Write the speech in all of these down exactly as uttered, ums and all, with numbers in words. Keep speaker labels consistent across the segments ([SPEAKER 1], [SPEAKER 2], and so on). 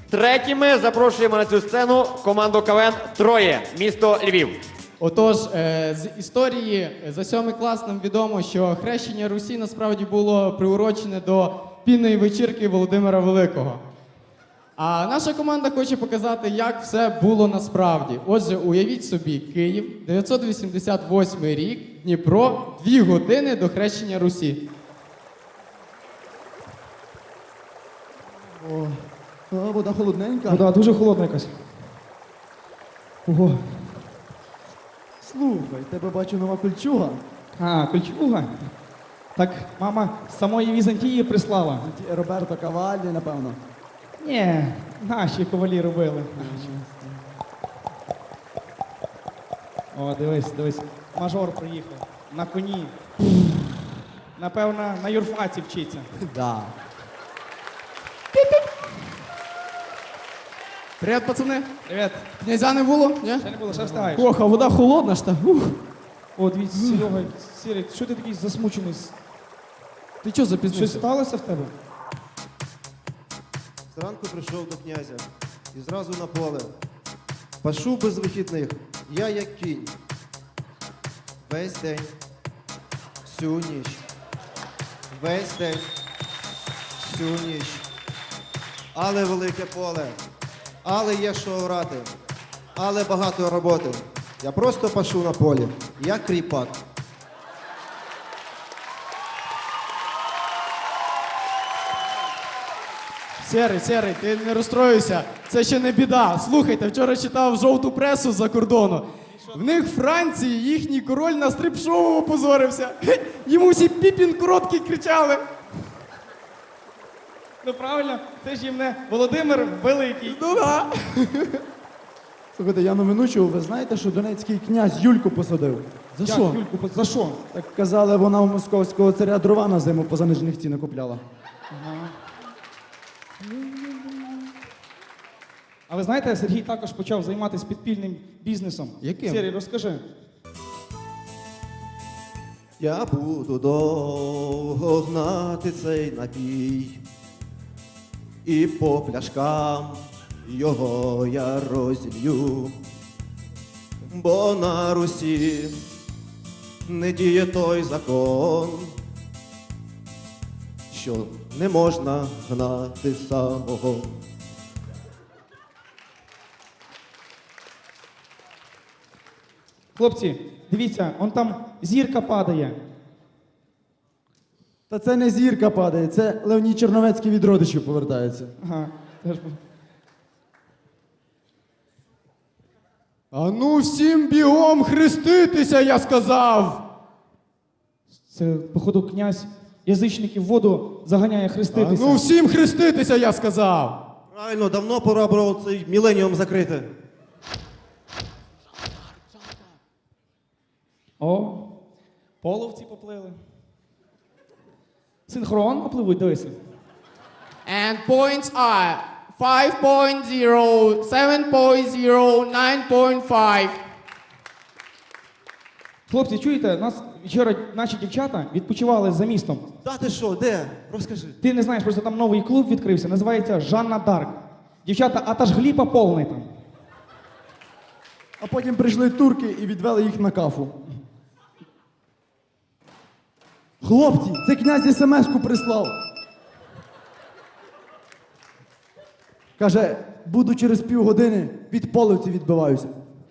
[SPEAKER 1] Третіми запрошуємо на цю сцену команду КВН «Троє», місто Львів.
[SPEAKER 2] Отож, е, з історії за сьомий клас нам відомо, що хрещення Русі насправді було приурочене до пінної вечірки Володимира Великого. А наша команда хоче показати, як все було насправді. Отже, уявіть собі, Київ, дев'ятсот вісімдесят восьмий рік, Дніпро, дві години до хрещення Русі.
[SPEAKER 3] О, а, вода холодненька.
[SPEAKER 4] Вода дуже холодна якась. Ого.
[SPEAKER 3] Слухай, тебе бачу нова кольчуга.
[SPEAKER 4] А, кольчуга. Так мама з самої Візантії прислала.
[SPEAKER 3] Ті- Роберто Кавалі, напевно.
[SPEAKER 4] Ні, наші ковалі робили. О, дивись, дивись. Мажор приїхав. На коні. Напевно, на юрфаці вчиться.
[SPEAKER 3] Да.
[SPEAKER 2] Привіт, пацани.
[SPEAKER 4] Привіт.
[SPEAKER 2] Князя не було? Ні?
[SPEAKER 4] Ще не було, ще встигаєш.
[SPEAKER 2] Ох, а вода холодна ж та. Ух.
[SPEAKER 4] О, дивіться, Серега, Сірий, що ти такий засмучений?
[SPEAKER 2] Ти чого
[SPEAKER 4] Щось
[SPEAKER 2] запізнився?
[SPEAKER 4] сталося в тебе?
[SPEAKER 5] Зранку прийшов до князя і зразу на поле. Пашу без вихідних, я як кінь. Весь день, всю ніч. Весь день, всю ніч. Але велике поле, але є що орати, але багато роботи. Я просто пашу на полі, як кріпак.
[SPEAKER 2] Серий, Серий, ти не розстроюйся. Це ще не біда. Слухайте, вчора читав жовту пресу з-за кордону. В них в Франції їхній король на стрип-шоу опозорився. Хе, йому всі піпін короткий кричали.
[SPEAKER 4] Ну правильно, це ж їм не Володимир Великий.
[SPEAKER 2] Ну да.
[SPEAKER 3] Слухайте, я новину чув, ви знаєте, що донецький князь Юльку посадив?
[SPEAKER 2] За
[SPEAKER 4] Як,
[SPEAKER 2] що?
[SPEAKER 4] Юльку, за що?
[SPEAKER 3] Так казали, вона у московського царя дрова на зиму по занижених цінах купляла.
[SPEAKER 4] А ви знаєте, Сергій також почав займатися підпільним бізнесом.
[SPEAKER 2] Яким?
[SPEAKER 4] Сергій, розкажи.
[SPEAKER 5] Я буду довго гнати цей напій, і по пляшкам його я розілью, бо на Русі не діє той закон, що не можна гнати самого.
[SPEAKER 4] Хлопці, дивіться, он там зірка падає.
[SPEAKER 3] Та це не зірка падає, це Леонід Черновецький від родичів повертається.
[SPEAKER 4] Ага. теж.
[SPEAKER 2] А ну всім бігом хреститися, я сказав.
[SPEAKER 4] Це, походу, князь язичників в воду заганяє
[SPEAKER 2] А
[SPEAKER 4] хреститися.
[SPEAKER 2] ну всім хреститися, я сказав.
[SPEAKER 5] Правильно, давно пора було цей міленіум закрити.
[SPEAKER 4] О, половці поплили. Синхронно пливуть, дивися.
[SPEAKER 2] And points are five point zero, seven point zero, nine point five.
[SPEAKER 4] Хлопці, чуєте, нас вчора наші дівчата відпочивали за містом.
[SPEAKER 5] Та ти що, де? Розкажи.
[SPEAKER 4] Ти не знаєш, просто там новий клуб відкрився, називається Жанна Дарк. Дівчата, а та ж гліпа повний там.
[SPEAKER 3] А потім прийшли турки і відвели їх на кафу. Хлопці, це князь смс-ку прислав. Каже, буду через півгодини від полиці відбиваюся.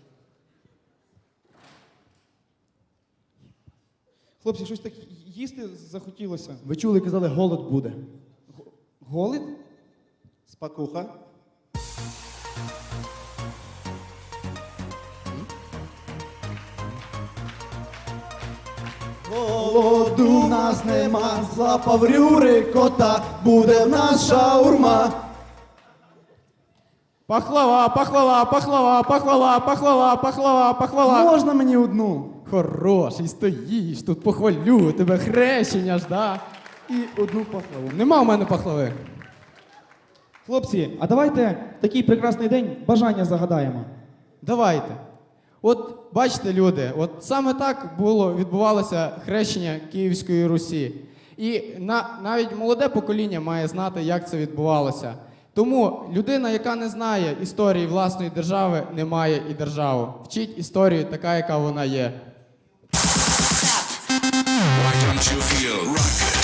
[SPEAKER 4] Хлопці, щось так їсти захотілося.
[SPEAKER 3] Ви чули, казали, голод буде.
[SPEAKER 4] Голод?
[SPEAKER 5] Спакуха.
[SPEAKER 3] Голоду в нас нема, злапав рюри кота, буде в нас шаурма.
[SPEAKER 2] Пахлава, пахлава, пахлава, пахлава, пахлава, пахлава, пахлава.
[SPEAKER 3] Можна мені одну?
[SPEAKER 2] Хороший, стоїш, тут похвалю, тебе хрещення ж, да?
[SPEAKER 3] І одну пахлаву.
[SPEAKER 2] Нема у мене пахлави.
[SPEAKER 4] Хлопці, а давайте в такий прекрасний день бажання загадаємо.
[SPEAKER 2] Давайте. От бачите, люди, от саме так було, відбувалося хрещення Київської Русі. І на, навіть молоде покоління має знати, як це відбувалося. Тому людина, яка не знає історії власної держави, не має і державу. Вчіть історію така, яка вона є.
[SPEAKER 6] Why don't you feel rocket?